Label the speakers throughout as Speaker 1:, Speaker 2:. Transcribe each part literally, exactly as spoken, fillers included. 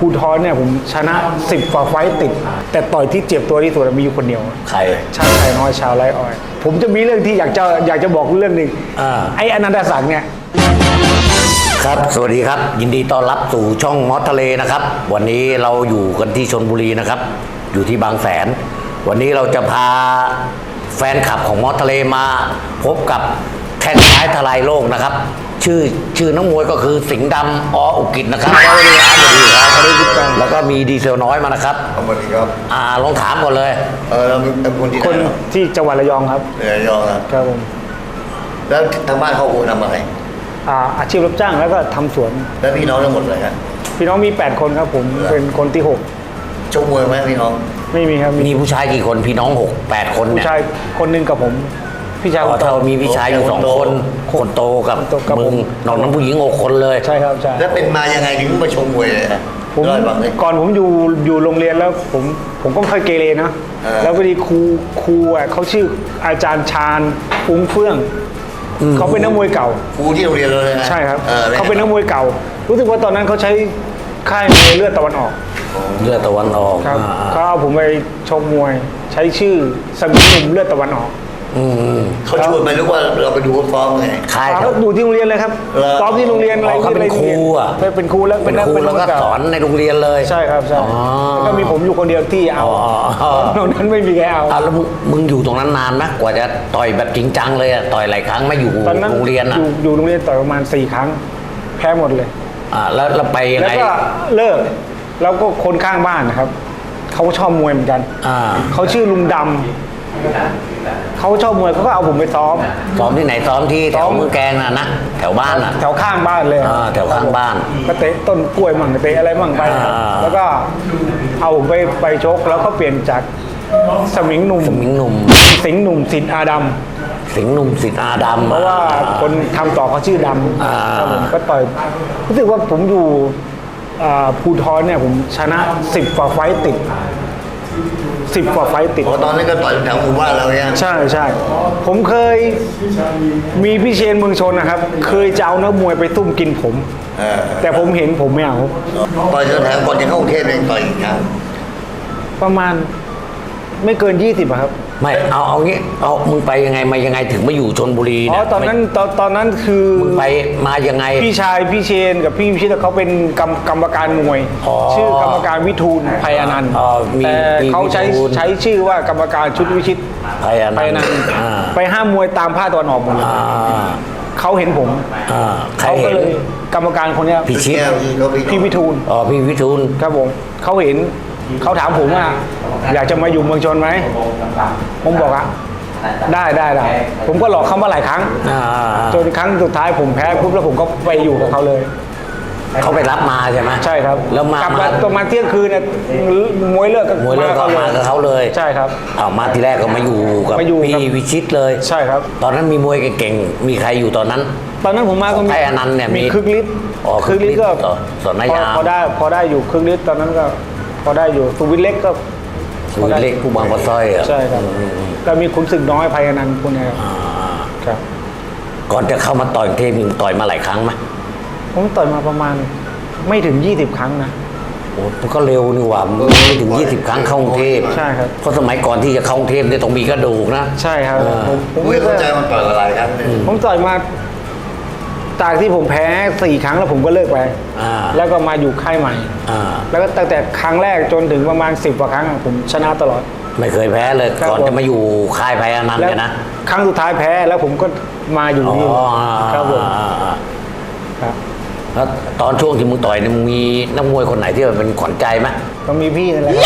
Speaker 1: ภูทรเนี่ยผมชนะสิบกว่าไฟต์ติด แต่ต่อยที่เจ็บตัวที่สุดมีอยู่คนเดียว
Speaker 2: ใคร
Speaker 1: ชาติไทยน้อยชาวไร่อ้อยผมจะมีเรื่องที่อยากจะอยากจะบอกเรื่องหนึ่งไอ้อนันตศักดิ์เนี่ย
Speaker 2: ครับสวัสดีครับยินดีต้อนรับสู่ช่องมอสทะเลนะครับวันนี้เราอยู่กันที่ชลบุรีนะครับอยู่ที่บางแสนวันนี้เราจะพาแฟนคลับของมอสทะเลมาพบกับแข้งซ้ายทลายโลกนะครับชื่อชื่อนักมวยก็คือสิงห์ดำออุกิจนะครับสวัสดีครับสวัสดีครับสวัสดีครับแล้วก็มีดีเซลน้อยมานะครับ
Speaker 3: สวัสดีครับ
Speaker 2: อ่าลองถามก่อนเลย
Speaker 3: เออเราเป็นคนที่ไหน
Speaker 1: คนที่จังหวัดระยองครับ
Speaker 3: ระยองครับ
Speaker 1: ครับผม
Speaker 3: แล้วทางบ้านเขาโอนทำอะไร
Speaker 1: อ่าอาชีพรับจ้างแล้วก็ทำสวน
Speaker 3: แล้วพี่น้องทั้งหมดเลยครับ
Speaker 1: พี่น้องมีแปดคนครับผมเป็นคนที่หก
Speaker 3: ชกมวยไหมพี่น้อง
Speaker 1: ไม่มีครับ
Speaker 2: มีผู้ชายกี่คนพี่น้องหกแปดคนเนี่ย
Speaker 1: ผู้ชายคนหนึ่งกับผมพี่ชาย
Speaker 2: คนโตมีพี่ชายอยู่สองคนคนโตกับมึงน้องน้องผู้หญิงหกคนเลย
Speaker 1: ใช่ครับใช่
Speaker 3: แล้วเป็นมายังไงถึงมาชกมวยเลย
Speaker 1: ผมก่อนผมอยู่อยู่โรงเรียนแล้วผมผมก็เคยเกเรนะแล้วพอดีครูครูอ่ะเขาชื่ออาจารย์ชาญฟุ้งเฟื่องเขาเป็นนักมวยเก่า
Speaker 3: ครูที่โรงเรียนเลยนะ
Speaker 1: ใช่ครับเขาเป็นนักมวยเก่ารู้สึกว่าตอนนั้นเขาใช้ค่ายมวยเลือดตะวันออก
Speaker 2: เลือดตะวันออก
Speaker 1: ครับเขาเอาผมไปชกมวยใช้ชื่อสมิงหนุ่มเลือดตะวันออก
Speaker 3: เขาชวนไปหรือว่าเราไปดูเขาซ้อมไง
Speaker 1: ค่ายเขาดูที่โรงเรียนเลยครับซ้อมที่โรงเรียนอะไร
Speaker 2: เขาเป็นครูอ่ะ
Speaker 1: เป็นครูแล้ว
Speaker 2: เป็นครูแล้วก็สอนในโรงเรียนเลย
Speaker 1: ใช่ครับใช่ก็มีผมอยู่คนเดียวที่เอาตรงนั้นไม่มีใครเอา
Speaker 2: แล้วมึงอยู่ตรงนั้นนานนะกว่าจะต่อยแบบจริงจังเลยต่อยหลายครั้งไม่อยู่โรงเรียนอ่ะ
Speaker 1: อยู่โรงเรียนต่อยประมาณสี่ครั้งแพ้หมดเลย
Speaker 2: อ่าแล้วเราไปยังไง
Speaker 1: แล้วก็เลิกแล้วก็คนข้างบ้านนะครับเขาก็ชอบมวยเหมือนกันเขาชื่อลุงดำเขาชอบมวยเขาก็เอาผมไปซ้อม
Speaker 2: ซ้อมที่ไหนซ้อมที่แถวเมืองแกงน่ะนะแถวบ้านอ่ะ
Speaker 1: แถวข้างบ้านเลย
Speaker 2: แถวข้างบ้าน
Speaker 1: ก็เตะต้นกล้วยมั่งเตะอะไรมั่งไปแล้วก็เอาผมไปไปชกแล้วก็เปลี่ยนจากสมิงหนุ่ม
Speaker 2: สมิงหนุ่ม
Speaker 1: สิงห์หนุ่มสิทธิ์อาดำ
Speaker 2: สิงห์หนุ่มสิทธิ์อาดำ
Speaker 1: เพราะว่าคนทำต่อเขาชื่อดำผมก็ต่อยรู้สึกว่าผมอยู่ภูทรเนี่ยผมชนะสิบกว่าไฟต์ติดสิบกว่าไฟต์ติด
Speaker 3: ตอนนี้ก็ต่อยแถวหมู่บ้านเราเนี่ย
Speaker 1: ใช่ใช่ผมเคยมีพี่เชนเมืองชนนะครับเคยจะเอานักมวยไปตุ้มกินผมแต่ผมเห็นผมไม่เอา
Speaker 3: ต่อยแถวก่อนจะเข้ากรุงเทพเองต่อยอีกครั้ง
Speaker 1: ประมาณไม่เกินยี่สิบครับ
Speaker 2: ไม่เอาเอางี้เอามึงไปยังไงมายังไงถึงมาอยู่ชลบุรี
Speaker 1: เนี่ยอ๋อตอนนั้นตอนตอนนั้นคือ
Speaker 2: มึงไปมายังไง
Speaker 1: พี่ชายพี่เชนกับพี่พิชิตเขาเป็นกรรมกรรมการมวยชื่อกรรมการวิทูลไพอนันต์แต่เขาใช้ใช้ชื่อว่ากรรมการชุดวิชิต
Speaker 2: ไพอนันต์
Speaker 1: ไปห้ามมวยตามผ้าตะวันออกหมดเลยเขาเห็นผมเขาก็เลยกรรมการคนนี้
Speaker 2: พี่ชิต
Speaker 1: พี่วิทูล
Speaker 2: อ๋อพี่วิทูล
Speaker 1: ครับผมเขาเห็นเขาถามผมว่าอยากจะมาอยู่เมืองชนไหมผมบอกอะได้ได้ได้ผมก็หลอกเขามาหลายครั้งจนครั้งสุดท้ายผมแพ้ปุ๊บแล้วผมก็ไปอยู่กับเขาเลย
Speaker 2: เขาไปรับมาใช่ไหม
Speaker 1: ใช่ครับ
Speaker 2: แล้วมาก
Speaker 1: ลับมาประมาณเที่ยงคืนเนี่ยมวยเลิก
Speaker 2: กับมวยเลิกก็มากับเขาเลย
Speaker 1: ใช่ครับ
Speaker 2: เอามาทีแรกก็มาอยู่กับพี่วิชิตเลย
Speaker 1: ใช่ครับ
Speaker 2: ตอนนั้นมีมวยเก่งๆมีใครอยู่ตอนนั้น
Speaker 1: ตอนนั้นผมมาก็มี
Speaker 2: ไอ้อนันต์เนี่ย
Speaker 1: มีคึกฤทธิ์คึกฤทธิ์ก็
Speaker 2: สอนนายา
Speaker 1: พอได้พอได้อยู่คึกฤทธิ์ตอนนั้นก็พอได้อยู่สุวิทย์เล็กก็
Speaker 2: สุวิทย์เล็กผู้บางปะสร้อยอ่ะ
Speaker 1: ใช่ครับก็มีขุนศึกน้อยไพอนันต์พวกนี้ครับ
Speaker 2: ก่อนจะเข้ามาต่อยเทพมึงต่อยมาหลายครั้งไหม
Speaker 1: ผมต่อยมาประมาณไม่ถึงยี่สิบครั้งนะ
Speaker 2: โอ้มันก็เร็วนี่หว่าไม่ถึงยี่สิบครั้งเข้ากรุงเทพ
Speaker 1: ใช่ครับ
Speaker 2: เพราะสมัยก่อนที่จะเข้ากรุงเทพเนี่ยต้องมีกระดูกนะ
Speaker 1: ใช่ครับ
Speaker 3: ผมไม่เข้าใจมันต่อยอะไรครับ
Speaker 1: ผมต่อยมาจากที่ผมแพ้สี่ครั้งแล้วผมก็เลิกไปแล้วก็มาอยู่ค่ายใหม่แล้วก็ตั้งแต่ครั้งแรกจนถึงประมาณสิบกว่าครั้งผมชนะตลอด
Speaker 2: ไม่เคยแพ้เลยก่อนจะมาอยู่ค่ายไพอนันต์กันนะ
Speaker 1: ครั้งสุดท้ายแพ้แล้วผมก็มาอยู่นี่ครับผม
Speaker 2: ครับแล้วตอนช่วงที่มึงต่อยเนี่ยมึงมีนักมวยคนไหนที่เป็นขวัญใจไหม
Speaker 1: ต้องมีพี่นั่นแหละ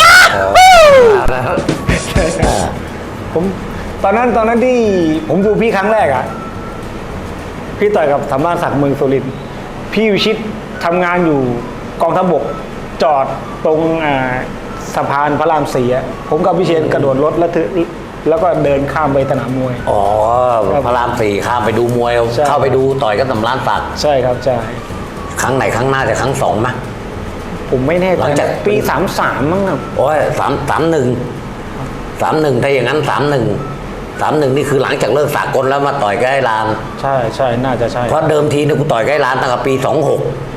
Speaker 1: ผมตอนนั้นตอนนั้นที่ผมดูพี่ครั้งแรกอ่ะพี่ต่อยกับธรรมราชศักดิ์เมืองสุรินทร์พี่วิชิตทำงานอยู่กองทัพบกจอดตรงสะพานพระรามสี่ผมกับพี่เชนกระโดดรถแล้วถือแล้วก็เดินข้ามไปสนามมวย
Speaker 2: อ๋อพระรามสี่ข้ามไปดูมวยเข้าไปดูต่อยกับธรรมราชศักดิ์
Speaker 1: ใช่ครับใช่
Speaker 2: ครั้งไหนครั้งหน้าจะครั้งสองไหม
Speaker 1: ผมไม่แน่ใจปีสามสามมั้งครับ
Speaker 2: โอ้ยสามสามหนึ่งสามหนึ่งถ้าอย่างนั้นสามหนึ่งสามหนึ่งนี่คือหลังจากเลิกสากลแล้วมาต่อยใกล้ลาน
Speaker 1: ใช่ใช่น่าจะใช่
Speaker 2: เพราะเดิมทีนี่กูต่อยใกล้ลานตั้งแต่ปีสองหก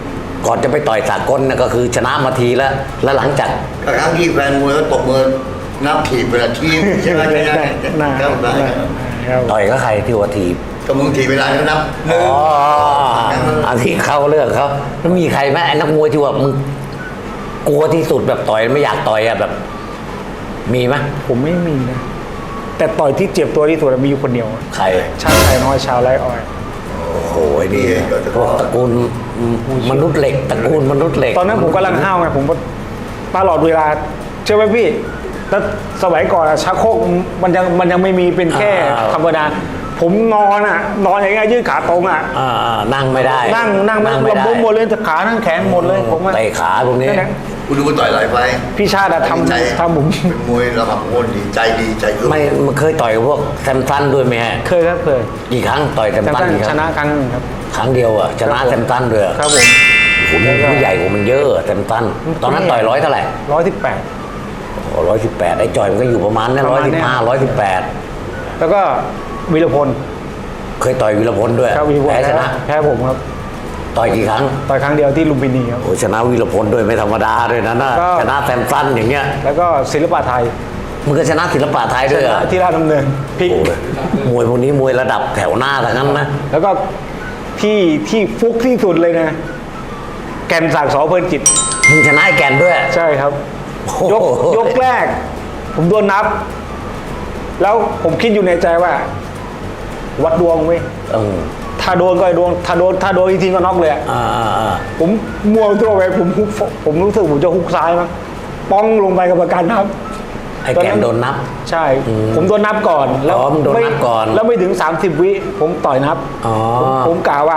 Speaker 2: ก่อนจะไปต่อยสากลนะก็คือชนะมาทีแล้ว แล้วหลังจาก
Speaker 3: ก็ครั้งที่แฟนมวยเขาตบมือนับถีบเวลาทีมใช่ไหม
Speaker 1: ได้
Speaker 3: ใช่ไหม
Speaker 1: ได้
Speaker 3: ครับได้
Speaker 1: ครับ
Speaker 2: ต่อยก็ใครที่ว่าทีบ
Speaker 3: ก็มึงถีบเวลาเขานับหนึ่ง
Speaker 2: อ๋ออันที่เขาเรื่องเขาแล้วมีใครไหมไอ้นักมวยที่ว่ามึงกลัวที่สุดแบบต่อยไม่อยากต่อยอะแบบ มีไหม
Speaker 1: ผมไม่มีนะ แต่ต่อยที่เจ็บตัวที่สุดมีอยู่คนเดียว
Speaker 2: ใคร
Speaker 1: ชาติไทยน้อยชาวไร่อ้อย
Speaker 2: โอ้โหนี่พวกตระกูลมนุษย์เหล็กตระกูลมนุษย์เหล็ก
Speaker 1: ตอนนั้นผมกำลังห้าวไงผมก็ตลอดเวลาเชื่อไหมพี่แต่สมัยก่อนอะชักโครกมันยังมันยังไม่มีเป็นแค่ธรรมดาผมนอนอ่ะ นอนอย่างเงี้ยยืดขาตรงอ่ะ
Speaker 2: อ่าๆนั่งไม่ได้
Speaker 1: นั่งนั่งไม่
Speaker 2: ไม่
Speaker 1: ระ
Speaker 2: ได้
Speaker 1: บมหมดเลยแต่ขานั่งแขนหมดเลยผมว่า
Speaker 2: เตะขาพวกนี้
Speaker 1: นั่นแหละ
Speaker 3: กูดูมันต่อยหลายไฟล์
Speaker 1: พี่ชาติอะ
Speaker 3: ใจ
Speaker 1: ทำทำผม
Speaker 3: เป็นมวยระดับโคนดีใจดีใจคือ
Speaker 2: ไม่มันเคยต่อยกับพวกแซมซันด้วยไหมฮะ
Speaker 1: เคยครับเคย
Speaker 2: กี่ครั้งต่อยแซม
Speaker 1: แต่
Speaker 2: ซัน
Speaker 1: ท่าน
Speaker 2: กี่ค
Speaker 1: ช
Speaker 2: รั้ง
Speaker 1: นะครั้งหนึงครับ
Speaker 2: ครั้งเดียวอะชนะครับ
Speaker 1: ผม
Speaker 2: แซมซันด้วย
Speaker 1: ครับผม
Speaker 2: โอ้โหมันผู้ใหญ่กว่ามันเยอะแซมซันตอนนั้นต่อยร้อยเท่าไหร่
Speaker 1: ร้อยสิบแปด
Speaker 2: ร้อยสิบแปดไอ้จอยมันก็อยู่ประมาณนั้น
Speaker 1: ประ
Speaker 2: ร้อย
Speaker 1: มาณ
Speaker 2: สิ
Speaker 1: เนี้
Speaker 2: บ
Speaker 1: ย
Speaker 2: ห้าร้อยสิบแปด
Speaker 1: แล้วก็วีรพล
Speaker 2: เคยต่อยวีรพลด้วย
Speaker 1: ครับวีรพล
Speaker 2: แพ้ชนะ
Speaker 1: แพ้ผมครับ
Speaker 2: ต่อยกี่ครั้ง
Speaker 1: ต่อยครั้งเดียวที่ลุมพินีครับ
Speaker 2: โอ้ชนะวีรพลด้วยไม่ธรรมดาด้วยนะน่ะ
Speaker 1: ก็
Speaker 2: ชนะแซมซันอย่างเงี้ย
Speaker 1: แล้วก็ศิลปะไทย
Speaker 2: มึงก็ชนะศิลปะไทยด้วยเหรอ
Speaker 1: ที่ราชดำเนินพลิก
Speaker 2: โอ้ยมวยพวกนี้มวยระดับแถวหน้าทั้งนั้นนะ
Speaker 1: แล้วก็ที่ที่ฟุกที่สุดเลยนะ แก่นศักดิ์สอเพลินจิต
Speaker 2: มึงชนะไอ้แกนด้วย
Speaker 1: ใช่ครับ
Speaker 2: โอ้
Speaker 1: ยก
Speaker 2: โห
Speaker 1: ยกแรก ผมโดนนับ แล้วผมคิดอยู่ในใจว่า วัดดวงเว้ย
Speaker 2: เออ
Speaker 1: ถ้าโดนก็ไอ้ดวง ถ้าโดนถ้าโดนอีกทีก็น็อกเลยอะ
Speaker 2: อ่าอ่าอ่า
Speaker 1: ผมมัวตัวไปผมฮุกผมรู้สึกผมจะฮุกซ้ายมั้งป้องลงไปกับประกันครับ
Speaker 2: ไอ้แกนโดนนับ
Speaker 1: ใช่ ผมโดนนับก่อน แล้ว
Speaker 2: อ๋อมึงโดนนับก่อน
Speaker 1: แล้วไม่ถึงสามสิบวิ ผมต่อยนับ
Speaker 2: อ๋อ
Speaker 1: ผมผมกล่าวว่า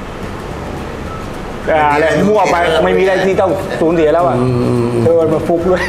Speaker 1: อ่าอะไรมั่วไปไม่มีอะไรที่ต้องสูญเสียแล้วอ่ะเดินมาฟุกด้วย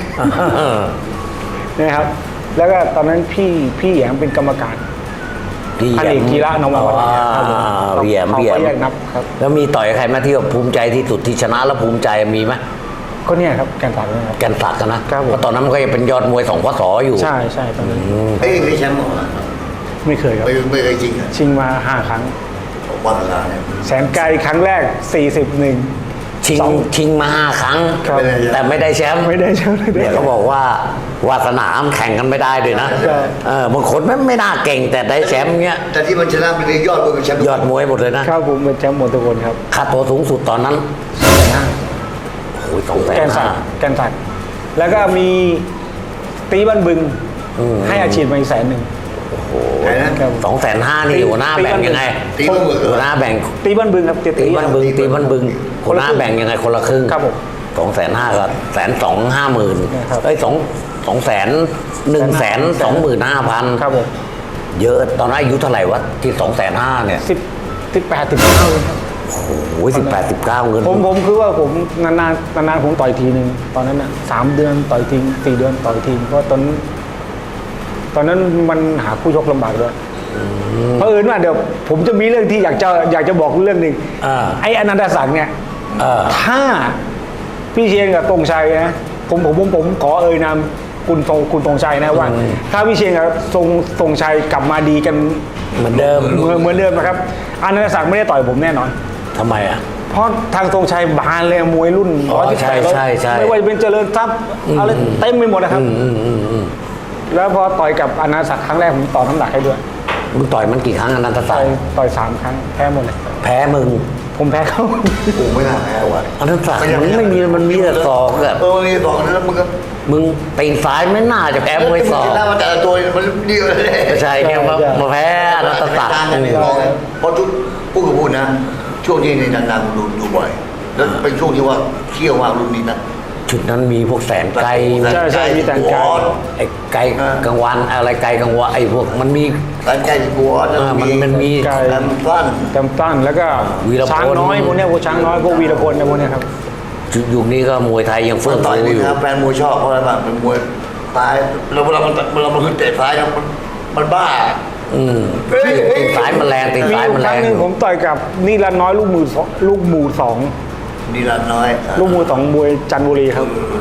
Speaker 1: นะครับ แล้วก็ตอนนั้นพี่พี่แหยมเป็นกรรมการ
Speaker 2: พี่
Speaker 1: พัน
Speaker 2: แห
Speaker 1: เอย ก
Speaker 2: ม
Speaker 1: กีฬานววัน
Speaker 2: อ๋อพี่แหยม
Speaker 1: เขา
Speaker 2: พี่แหย
Speaker 1: ก็
Speaker 2: ม
Speaker 1: แยกนับครับ
Speaker 2: แล้วมีต่อยใครไหมาที่ว่าภูมิใจที่สุดที่ชนะแล้วภูมิใจมีไหม
Speaker 1: ก็เนี่ยครับแกนตัดนะครับ
Speaker 2: แกนศักดิ์อะนะครับ
Speaker 1: ผม
Speaker 2: เพราะตอนนั้นมันก็ยังเป็นยอดมวยสองพศอยู่
Speaker 1: ใช่ใช่ตอนนั้น
Speaker 3: เฮ้ยไม่แชมป์หรอกนะ
Speaker 1: ไม่เคยครับ
Speaker 3: ไม่ไม่เคยจริงอ่ะ
Speaker 1: ชิงมาห้าครั้ง
Speaker 3: ผมว่าเวลาเนี่ย
Speaker 1: แสนไกลครั้งแรกสี่สิบหนึ่ง
Speaker 2: ชิง
Speaker 1: สอง
Speaker 2: ชิงมาห้าครั้ง
Speaker 1: ครับ
Speaker 2: แต่ไม่ได้แชมป์
Speaker 1: ไม่ได้ใช่ไหม
Speaker 2: เดี๋ยวเขาบอกว่าวาสนามแข่งกันไม่ได้ด้วยนะ
Speaker 1: ใช่
Speaker 2: เออบางคนไม่ไม่น่าเก่งแต่ได้แชมป์เงี้ย
Speaker 3: แต่ที่มันชนะเป็นยอดมวยเป็นแชมป์
Speaker 2: ยอดมวยหมดเลยนะครับ
Speaker 1: ผมเป็นแชมป์หมดทุกคนครับ
Speaker 2: ค่าตัวสูงสุดตอนนั้น
Speaker 1: แสนห้า
Speaker 2: โอ้ยสองแส
Speaker 1: แก
Speaker 2: น
Speaker 1: นสั
Speaker 2: ห้า
Speaker 1: กดิ์แกนสักดิ์แล้วก็มีตีบ้านบึง
Speaker 2: อืม
Speaker 1: ให้อาชีพมาอีกแสนหนึ่ง
Speaker 3: ไหนนะ
Speaker 1: ครับ
Speaker 2: สองแสนห้านี่หัวหน้าแบ่งยังไง
Speaker 3: ตีมือมือ
Speaker 2: หัวหน้าแบ่ง
Speaker 1: ตีบ้านบึงครับ
Speaker 2: ตีบ้านบึงตีบ้านบึง
Speaker 1: ค
Speaker 2: หัวน ห
Speaker 1: ละ
Speaker 2: น้า
Speaker 1: ครึ่ง
Speaker 2: แบ่งยังไงคนละครึ่ง
Speaker 1: ครับผม
Speaker 2: สองแสนห้ากับแสนสองห้าหมื่น
Speaker 1: นะครับ
Speaker 2: เอ้ยสองสองแสนหนึ่งแสนสองหมื่นห้าพัน
Speaker 1: ครับผม
Speaker 2: เยอะตอนนั้นอายุเท่าไหร่วะที่สองแสนห้าเนี่ย
Speaker 1: สิบสิบแปดสิบเก้าเลยครับ
Speaker 2: โอ้ยสิบแปดสิบเก้าเงิน
Speaker 1: ผมผมคือว่าผมนานๆนานๆผมต่อยทีหนึ่งตอนนั้นน่ะสามเดือนต่อยทีสี่เดือนต่อยทีเพราะตอนนั้นตอนนั้นมันหาคู่ชกลำบากด้วยเพราะเอิญว่าเดี๋ยวผมจะมีเรื่องที่อยากจะอยากจะบอกเรื่องหนึ่ง
Speaker 2: อ่า
Speaker 1: ไอ้อนันตศักดิ์เนี่ย
Speaker 2: เออ
Speaker 1: ถ้าพี่เชียนกับตรงชัยนะผมผมผมผมขอเอ่ยนามคุณตรงคุณตรงชัยนะว่า ถ้าพี่เชียนกับทรงตรงชัยกลับมาดีกัน
Speaker 2: เหมือนเดิม
Speaker 1: เหมือนเหมือนเดิมนะครับอนันตศักดิ์ไม่ได้ต่อยผมแน่นอน
Speaker 2: ทำไมอ่ะ
Speaker 1: เพราะทางตรงชัยบานเลยมวยรุ่น
Speaker 2: อ๋อ
Speaker 1: ร้อยสิบ
Speaker 2: ใช่
Speaker 1: แปด
Speaker 2: ใช่ใช่
Speaker 1: ไม่ว่าจะเป็นเจริญทรัพย์อะไรเต็มไปหมดนะครับ
Speaker 2: อืมอืมอืมอืม
Speaker 1: แล้วพอต่อยกับอนันตศักดิ์ครั้งแรกผมต่อน้ำหนักให้ด้วย
Speaker 2: มึงต่อยมันกี่ครั้งอนันตศั
Speaker 1: ต่
Speaker 2: ก
Speaker 1: อย
Speaker 2: ดิ์
Speaker 1: ต่อยสามครั้งแพ้หมดเลย
Speaker 2: แพ้มึง
Speaker 1: ผมแพ้เขา
Speaker 3: กูไม่น่าแพ้ว่ะ
Speaker 2: อนันตศักดิ์มันไม่มีมันมีแต่ศอกอะ
Speaker 3: เออมันมีสองแล้วมึงก็
Speaker 2: มึงตีนซ้ายไม่น่าจะแพ้มวยศอก
Speaker 3: ชนะมาแต่ละตัวมันดีกว่าเลย
Speaker 2: ใช่เนี่ยมามาแพ้อนันตศักดิ์
Speaker 3: ต่างกันไม่พอเพราะทุกพูดกับพูดนะ ช่วงนี้ในนานๆดูดูบ่อย แล้วเป็นช่วงที่ว่าเที่ยวมากรุ่นนี้นะ
Speaker 2: ชุดนั้นมีพวกแสนไกล
Speaker 1: ใช่ใช่มีแต่งกาย
Speaker 2: ไอ้ไกลกลางวันอะไรไกลกลางวันไอ้พวกมันมี
Speaker 3: การใจกัว
Speaker 2: อ่ามันมันมี
Speaker 1: ไกล
Speaker 3: การสั้น
Speaker 1: เต็มตั้นแล้วก็
Speaker 2: วีรพล
Speaker 1: ช้างน้อยพวกเนี้ยพวกช้างน้อยพวกวีรพลเนี่ยพวกเนี้ยครับ
Speaker 2: ยุคนี้ก็มวยไทยยัง
Speaker 3: เฟื่
Speaker 2: เฟื่
Speaker 3: อ
Speaker 2: อง
Speaker 3: ต่อย
Speaker 2: ฟู
Speaker 3: นี่
Speaker 2: อยู่
Speaker 3: นะแฟนมวยชอบเพราะอะไรบ้างเป็นมวยซ้ายแล้วเวลามันเวลามันขึ้นเตะซ้ายนะมันมันบ้า
Speaker 2: อืม
Speaker 3: เฮ้ยเฮ้ย
Speaker 2: ตีนซ้ายมันแรงตีน
Speaker 1: มี
Speaker 2: ซ้าย
Speaker 1: อยู่
Speaker 2: มัน
Speaker 1: ค
Speaker 2: แร
Speaker 1: รั้ง
Speaker 2: ง
Speaker 1: หนึ่งผมต่อยกับนี่ละน้อยลูกมือสองลูกหมูสอง
Speaker 3: นี่ละน้อย
Speaker 1: ลูกมือสองมวยจันทบุรีครับ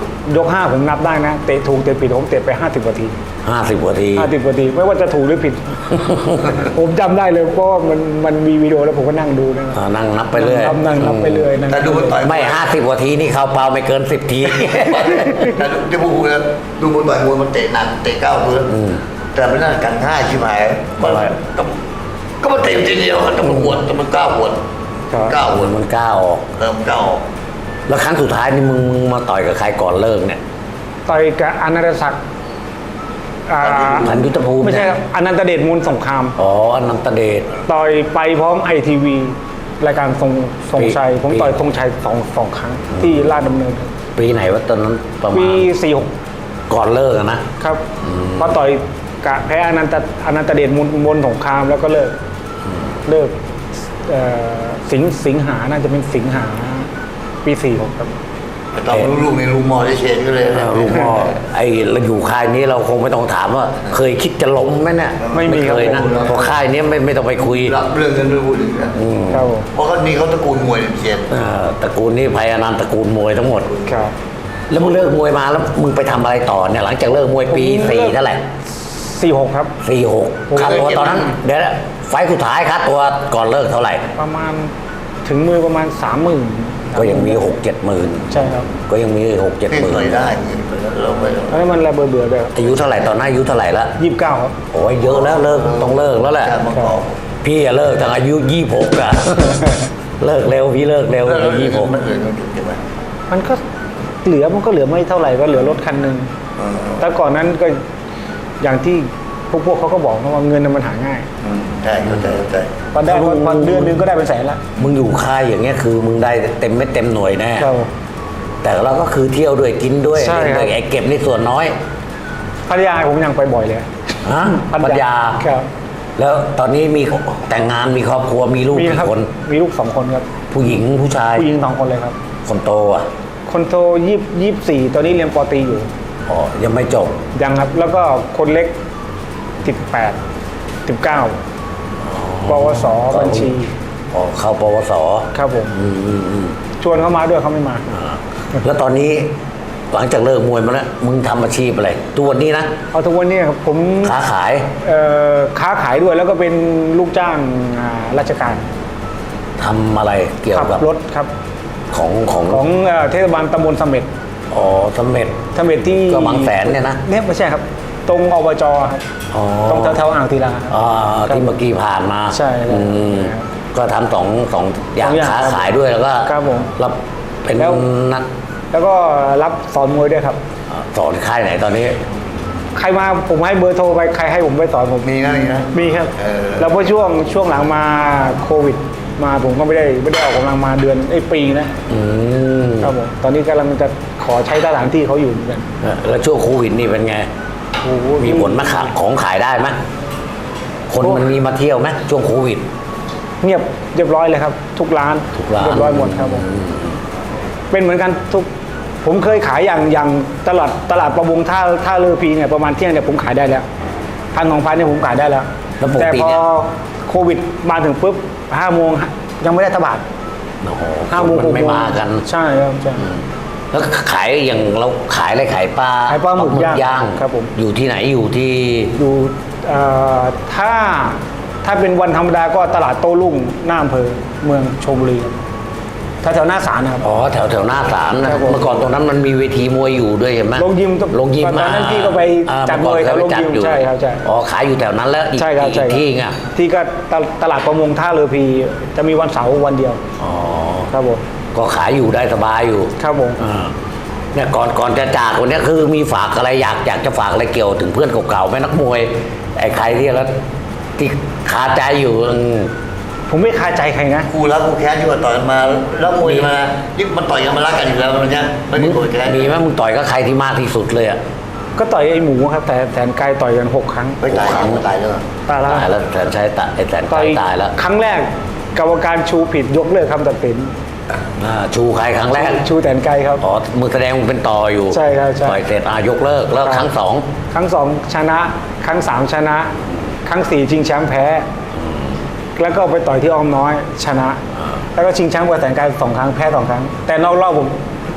Speaker 1: ยกห้าผมนับได้นะเตะถูกเตะผิดผมเตะไปห้าสิบนาที
Speaker 2: ห้าสิบกว่าที
Speaker 1: ห้าสิบนาทีไม่ว่าจะถูกหรือผิด ผมจำได้เลยเพราะว่ามันมันมีวิดีโอแล้วผมก็นั่งดูนะ
Speaker 2: อ่านั่งนับไปเรื่อย
Speaker 1: นั่งนั่งนับไปเรื่อยนั่ง
Speaker 3: แต่ดูมันต่อย
Speaker 2: ไม่ห้าสิบกว่าทีนี่เข้าเปล่าไม่เกินสิบที
Speaker 3: แต่ที่พูดนะดูมันต่อยมวยมันเตะหนักเตะก้าวตัวแต่ไม่น่ากันง่ายชิบหายมันก็ก็มันเตะทีเดียวแต่มันหวดแต่มันก้าวหวด
Speaker 1: ครับ
Speaker 3: ก้าวหวด
Speaker 2: มันกล้าออก
Speaker 3: เออมันก้าวออก
Speaker 2: แล้วครั้งสุดท้ายนี่มึงมึงมาต่อยกับใครก่อนเลิกเนี่ย
Speaker 1: ต่อยกับอนันตศักดิ์อ่า
Speaker 2: พันยุทธภูมิ
Speaker 1: ไม่ใช่ครับอนันตเดชมูลสงคราม
Speaker 2: อ๋ออนันตเดช
Speaker 1: ต่อยไปพร้อมไอทีวีรายการทรงทรงชัย
Speaker 2: ปี
Speaker 1: ผมต่อยทรงชัยสองสองครั้งที่ลาดดำเนินครับ
Speaker 2: ปีไหนวะตอนนั้นประมา
Speaker 1: ปี
Speaker 2: ณ
Speaker 1: สี่หก
Speaker 2: ก่อนเลิกอะนะครับ
Speaker 1: เพราะต่อยกะแพ้อนันตอนันตเดชมูลมนสงครามแล้วก็เลิกเลิกเอ่อสิงสิงหาน่าจะเป็นสิงหาปีสี่หกครับ
Speaker 3: ตอนลูกๆในลูกมอได้เชนก็เลย
Speaker 2: เออลุงพ่อไอ้เราอยู่ค่ายนี้เราคงไม่ต้องถามว่า เคยคิดจะล้มไหมเนี่ย
Speaker 1: ไม่มี
Speaker 2: เคยนะ
Speaker 1: ครับ
Speaker 2: เพราะค่ายนี้ไม่ไม่ต้องไปคุย
Speaker 3: รับเรื่องกันด้วยพูดถึงนะ
Speaker 1: ครับผม
Speaker 3: เพราะเขานี่เขาตระกูลมวยเชน
Speaker 2: เอ่อตระกูลนี้ภัยอนันต์ตระกูลมวยทั้งหมด
Speaker 1: ครับ
Speaker 2: แล้วมึงเลิกมวยมาแล้วมึงไปทำอะไรต่อเนี่ยหลังจากเลิกมวยปี
Speaker 1: ผมเลิก
Speaker 2: สี่เท่าไหร่
Speaker 1: สี่หกครับ
Speaker 2: สี่หกค่าตัวตอนนั้นเดี๋ยวนะไฟล์สุดท้ายค่าตัวก่อนเลิกเท่าไหร่
Speaker 1: ประมาณถึงมือประมาณสามหมื่น
Speaker 2: ก็ยังมีหกเจ็ดหมื่น
Speaker 1: ใช่ครับ
Speaker 2: ก็ยังมีหกเจ็ด
Speaker 3: นี่
Speaker 2: หมื่น
Speaker 3: เคยได้เราไป
Speaker 1: ตอนนั้นมันระเบื่อเบื่อๆเลย
Speaker 2: อายุเท่าไหร่ตอนนั้นอายุเท่าไหร่ละ
Speaker 1: ยี่สิบเก้าครับ
Speaker 2: โอ้ยเยอะแล้วเลิกต้องเลิกแล้วแหละ
Speaker 3: การมาบอก
Speaker 2: พี่อะเลิกตั้งอายุยี่หกอะ เลิกเร็วพี่เลิกเร็ว
Speaker 3: แล้ว
Speaker 2: อายุยี่หก
Speaker 3: มันเลยมันใช่ไหม
Speaker 1: มันก็เหลือมันก็เหลือไม่เท่าไหร่ก็เหลือรถคันหนึ่งแต่ก่อนนั้นก็อย่างที่พวกพวกเขาก็บอกนะว่าเงินน่ะมันหาง่าย
Speaker 3: ใช่เข้าใจเข้าใจ
Speaker 1: พอได้พอพอเดือนหนึงก็ได้เป็นแสนละ
Speaker 2: มึงอยู่ค่ายอย่างเงี้ยคือมึงได้เต็มเม็ดเต็มหน่วยแน่
Speaker 1: ครับ
Speaker 2: แต่เราก็คือเที่ยวด้วยกินด้วย
Speaker 1: ใช่ครับ
Speaker 2: ไอ้เก็บนี่ส่วนน้อย
Speaker 1: พัทยาผมยังไปบ่อยเลย
Speaker 2: ฮะปัญญา
Speaker 1: ครับ
Speaker 2: แล้วตอนนี้มีแต่งงานมีครอบครัวมีลูก
Speaker 1: มี
Speaker 2: กี่
Speaker 1: ครับ
Speaker 2: คน
Speaker 1: มีลูกสองคนครับ
Speaker 2: ผู้หญิงผู้ชาย
Speaker 1: ผู้หญิงสองคนเลยครับ
Speaker 2: คนโตอ่ะ
Speaker 1: คนโตยี่ยี่สี่ตอนนี้เรียนปอตรีอยู่
Speaker 2: อ๋อยังไม่จบ
Speaker 1: ยังครับ แล้วก็คนเล็กสิบแปดสิบเก้าปวสบัญชี
Speaker 2: อ๋อเข้าปวส
Speaker 1: ครับผม
Speaker 2: อืมอืมอืม
Speaker 1: ชวนเขามาด้วยเขาไม่มา
Speaker 2: แล้วตอนนี้หลังจากเลิกมวยมาแล้วมึงทำอาชีพอะไรตัวนี้นะ
Speaker 1: เอาทุกวันนี้ครับผม
Speaker 2: ค้าขาย
Speaker 1: เอ่อค้าขายด้วยแล้วก็เป็นลูกจ้างอ่าราชการ
Speaker 2: ทำอะไรเกี่ยว
Speaker 1: ขับ
Speaker 2: กับ
Speaker 1: รถครับ
Speaker 2: ของของ
Speaker 1: ของเอ่อเทศบาลตำบลเสม็ด
Speaker 2: อ๋อสำเร็จ
Speaker 1: เสม็ดที่
Speaker 2: ก็บางแสนเนี่ยนะ
Speaker 1: เนี่ยไม่ใช่ครับ ตรงอบจครับ
Speaker 2: อ๋อ
Speaker 1: ตรงแถวๆอ่างศิลาครับ
Speaker 2: อ่า
Speaker 1: ครับ
Speaker 2: ที่เมื่อกี้ผ่านมา
Speaker 1: ใช่ครับ
Speaker 2: อืม
Speaker 1: ครับ
Speaker 2: ก็ทำสองสองอย่าง
Speaker 1: สองอย่าง
Speaker 2: ค้า
Speaker 1: ครับ
Speaker 2: ขายด้วยแล้วก็
Speaker 1: ครับผม
Speaker 2: รับเป็น
Speaker 1: แล้ว
Speaker 2: นัก
Speaker 1: แล้วก็รับสอนมวยด้วยครับ
Speaker 2: สอนค่ายไหนตอนนี้
Speaker 1: ใครมาผมให้เบอร์โทรไปใครให้ผมไปสอนผม
Speaker 3: มีนะมีนะ
Speaker 1: มีครับ
Speaker 3: เออ
Speaker 1: แล้วพอช่วงช่วงหลังมาโควิด มาผมก็ไม่ได้ไม่ได้ออกกำลังมาเดือนไอ้ยปีนะ
Speaker 2: อืม
Speaker 1: ครับผมตอนนี้กำลังจะขอใช้สถานที่เขาอยู่เหมือนกัน
Speaker 2: แล้วช่วงโควิดนี่เป็นไง
Speaker 1: โอ้โห
Speaker 2: มีผลไหมขายของขายได้ไหมคนมันมีมาเที่ยวไหมช่วงโควิด
Speaker 1: เงียบเรียบร้อยเลยครับ ทุกร้าน
Speaker 2: ทุกร้าน
Speaker 1: เรียบร้อยหมดครับผมเป็นเหมือนกันทุกผมเคยขายอย่างอย่างตลาดตลาดประมงท่าท่าเรือพีเนี่ยประมาณเที่ยงเนี่ยผมขายได้แล้วพันสองพันเนี่ยผมขายได้แล้ว
Speaker 2: แล้วปก
Speaker 1: แต่
Speaker 2: ติ
Speaker 1: พอ
Speaker 2: เนี่ย
Speaker 1: โควิดมาถึงปุ๊บห้าโมงยังไม่ได้ตบาท
Speaker 2: โอ้โห
Speaker 1: ห้าโมง
Speaker 2: คนมันไม่มากัน
Speaker 1: ใช่ครับใช่
Speaker 2: แล้วขายอย่างเราขายอะไรขายปลา
Speaker 1: ขายปลาหมึกย่าง
Speaker 2: ง
Speaker 1: ครับผม
Speaker 2: อยู่ที่ไหนอยู่ที่
Speaker 1: อยู่เอ่อถ้าถ้าเป็นวันธรรมดาก็ตลาดโต้รุ่งหน้าอำเภอเมืองชลบุรีถ้าแถวหน้าศาลนะครับ
Speaker 2: อ๋อแถวแถวหน้าศาลนะครับ
Speaker 1: ผม
Speaker 2: เมื่อก่อนตรงนั้นมันมีเวทีมวยอยู่ด้วยเห็นไหม
Speaker 1: โรงยิม
Speaker 2: โรงยิม
Speaker 1: ตอนนั้นพี่ก็ไป
Speaker 2: อ่า
Speaker 1: จัด
Speaker 2: เมื่อก่อน
Speaker 1: มวยแถว
Speaker 2: เคไปจัด
Speaker 1: โรงยิม
Speaker 2: อยู่
Speaker 1: ใช่ครับใช่
Speaker 2: อ๋อขายอยู่แถวนั้นแล้วอีก
Speaker 1: ใช่ครับ
Speaker 2: อีก
Speaker 1: ใช่ครับ
Speaker 2: ที่ไง
Speaker 1: ที่ก็ตลตลาดประมงท่าเรือพีจะมีวันเสาร์วันเดียว
Speaker 2: อ๋อ
Speaker 1: ครับผม
Speaker 2: ก็ขายอยู่ได้สบายอยู่
Speaker 1: ครับผม
Speaker 2: อ่าเนี่ยก่อนก่อนจะจากวันนี้คือมีฝากอะไรอยากอยากจะฝากอะไรเกี่ยวถึงเพื่อนเก่าๆไหมนักมวยไอ้ใครที่แล้วที่คาใจอยู่อืม
Speaker 1: ผมไม่คาใจใครนะ
Speaker 3: กูรักกูแค้นที่ว่าต่อยกันมาแล้วมวยมานี่มันต่อยกันมารักกันอยู่แล้วมันเนี้ยไม่มีโกรธแค้น
Speaker 2: มีไหมมึงต่อยก็ใครที่มากที่สุดเลยอ่ะ
Speaker 1: ก็ต่อยไอ้หมูครับ แต่แสนไกลต่อยกันหกครั้ง
Speaker 3: ไม่ตายแล้วตายแล้ว
Speaker 1: ตายแล้ว
Speaker 2: ตายแล้วแสนชัยตายไอ้แสน
Speaker 1: ต่
Speaker 2: ชั
Speaker 1: อย
Speaker 2: ยตายแล้ว
Speaker 1: ครั้งแรกกรรมการชูผิดยกเลิกคำตัดสิน
Speaker 2: อ่าชูใครครั้งแรก
Speaker 1: ชูแสนไกลครับ
Speaker 2: อ๋อมึงแสดงมึงเป็นต่ออยู่
Speaker 1: ใช่ครับใช่
Speaker 2: ต่อยเสร็จอ่ะยกเลิกแล้วครั้งสอง
Speaker 1: ครั้งสองชนะ ครั้งสามชนะ ครั้งสี่ชิงแชมป์แพ้ แล้วก็ไปต่อยที่อ้อมน้อยชนะ แล้วก็ชิงแชมป์กับแสนไกลสองครั้งแพ้สองครั้ง แต่นอกรอบผม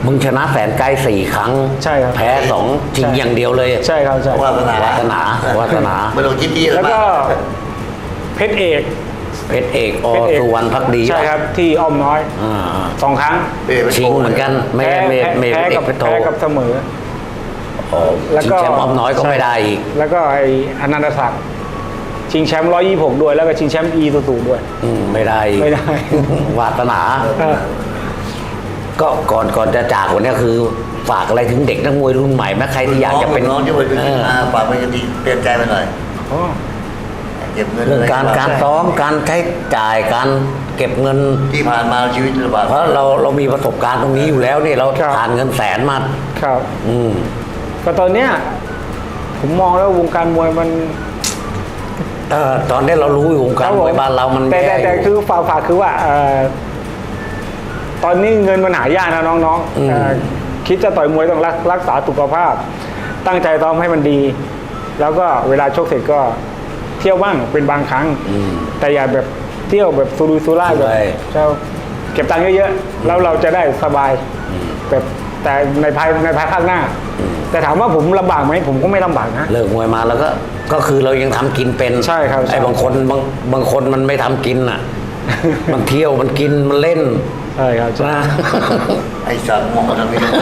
Speaker 2: มึงชนะแสนไกลสี่ครั้ง
Speaker 1: ใช่ครับ
Speaker 2: แพ้สองจริง
Speaker 1: ใช่
Speaker 2: อย่างเดียวเลย
Speaker 1: ใช่ครับใช่
Speaker 3: วาสนาว
Speaker 2: าสนาวาสนา
Speaker 3: ไม่ต้องคิดดีอะไร
Speaker 1: แล้วก็
Speaker 3: มาก
Speaker 1: เพชรเอก
Speaker 2: เพชรเอกอ
Speaker 1: เพชรเอก
Speaker 2: สุวรรณพักดี
Speaker 1: ใช่ครับที่อ้อมน้อย
Speaker 2: อ่า
Speaker 1: สองครั้ง
Speaker 3: เอ้ยไป
Speaker 2: ชิงเหมือนกันไม่
Speaker 1: แพ้
Speaker 2: ไม่
Speaker 1: แพ้
Speaker 2: ไม่
Speaker 1: แพ้
Speaker 2: ไม่เอ
Speaker 1: กั
Speaker 2: ก
Speaker 1: บ
Speaker 2: เพชรโท
Speaker 1: แพ้กับเสมอ
Speaker 2: อ๋อ
Speaker 1: แล้ว
Speaker 2: ชิง
Speaker 1: ก็
Speaker 2: แชมป์อ้อมน้อยก็ไม่ได้อีก
Speaker 1: แล้วก็ไอ้อนันตศักดิ์ชิงแชมป์ร้อยยี่หกด้วย แล้วก็ชิงแชมป์อีสูสูด้วย
Speaker 2: อืมไม่ได้อีก
Speaker 1: ไม่ได้
Speaker 2: วาสนา
Speaker 1: เออ
Speaker 2: ก็ก่อนก่อนจะจากวันนี้คือฝากอะไรถึงเด็กนักมวยรุ่นใหม่ไหมใครที่อยากจะเป็น
Speaker 3: น้องที่ไปเป็น
Speaker 2: เออ
Speaker 3: อาฝากมันจะดีเปลี่ยนใจไปหน่อย
Speaker 1: อ๋อ
Speaker 3: เก็บเงิน
Speaker 2: เรื่องการการซ้อมการใช้จ่ายการเก็บเงิน
Speaker 3: ที่ผ่านมาชีวิตลำบาก
Speaker 2: เพราะเราเรามีประสบการณ์ตรงนี้อยู่แล้วเนี่ยเรา
Speaker 1: ครับ
Speaker 2: ผ่านเงินแสนมา
Speaker 1: ครับ
Speaker 2: อืม
Speaker 1: ก็ตอนเนี้ยผมมองแล้ววงการมวยมัน
Speaker 2: เออตอนนี้เรารู้อยู่วงการมวยบ้านเรามัน
Speaker 1: แต่
Speaker 2: แย่
Speaker 1: แต่แต่
Speaker 2: อยู่
Speaker 1: คือฝากฝากคือว่าเอ่อตอนนี้เงินมันหายากนะน้อง
Speaker 2: อืม
Speaker 1: ๆเอ่อคิดจะต่อยมวยต้องรักรักษาสุขภาพ ตั้งใจซ้อมให้มันดี แล้วก็เวลาชกเสร็จก็เที่ยวบ้างเป็นบางครั้ง
Speaker 2: อืม
Speaker 1: แต่อย่าแบบเที่ยวแบบซูรุยซูร่ายแบบ
Speaker 2: ใช่
Speaker 1: จะเก็บตังค์เยอะๆแล้วเราจะได้สบายแบบแต่ในภายในภายภาคหน้า แต่ถามว่าผมลำบากไหมผมก็ไม่ลำบากนะ
Speaker 2: เลิกมวยมาแล้วก็ก็คือเรายังทำกินเป็น
Speaker 1: ใช่ครับใช่
Speaker 2: ไอ้บางคนบางบางคนมันไม่ทำกินอ่ะ มันเที่ยวมันกินมันเล่น
Speaker 1: ใช่ครับใช่
Speaker 2: นะ
Speaker 3: ไอ้สัตว์มองทำไม่ได้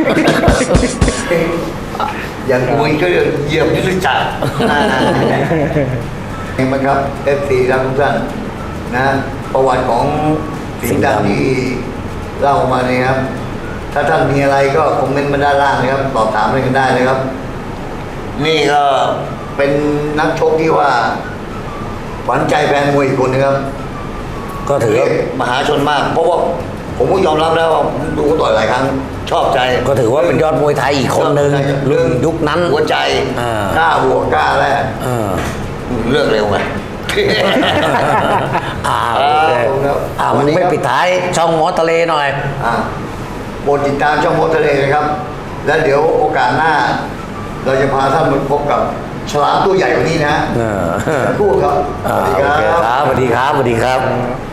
Speaker 3: อย่างมวยก็เหยียบยุทธจักรเห็นไหมครับเอฟซีครับทุกท่านนะประวัติของสิงห์ดำที่เล่ามาเนี่ยครับ ถ้าท่านมีอะไรก็คอมเมนต์มาด้านล่างนะครับตอบถามอะไรกันได้เลยครับ นี่ก็เป็นนักชกที่ว่าขวัญใจแฟนมวยอีกคนนะครับ
Speaker 2: ก็ถือว่า
Speaker 3: มหาชนมาก เพราะว่าผมก็ยอมรับแล้วว่าผมดูเขาต่อยหลายครั้ง ชอบใจ
Speaker 2: ก็ถือว่าเป็นยอดมวยไทยอีกคนหนึ่งรุ่นยุคนั้น
Speaker 3: หัวใจ
Speaker 2: อ่าก
Speaker 3: ล้าบวกกล้าแลก
Speaker 2: เออ
Speaker 3: เลือกเร็วไง
Speaker 2: อ่าโอเค
Speaker 3: ครับ
Speaker 2: อ่ามึงไม่ปิดท้ายช่องหมอทะเลหน่อย
Speaker 3: อ่าโปรดติดตามช่องโมทะเลนะครับ แล้วเดี๋ยวโอกาสหน้า เราจะพาท่านมาพบกับฉลามตัวใหญ่กว่านี้นะฮะ
Speaker 2: เออ
Speaker 3: สักครู่ครับ
Speaker 2: อ่า
Speaker 3: สวัสดี
Speaker 2: โอเค
Speaker 3: ครับ
Speaker 2: ครับสวัสดีครับสวัสดีครับ
Speaker 1: ครับ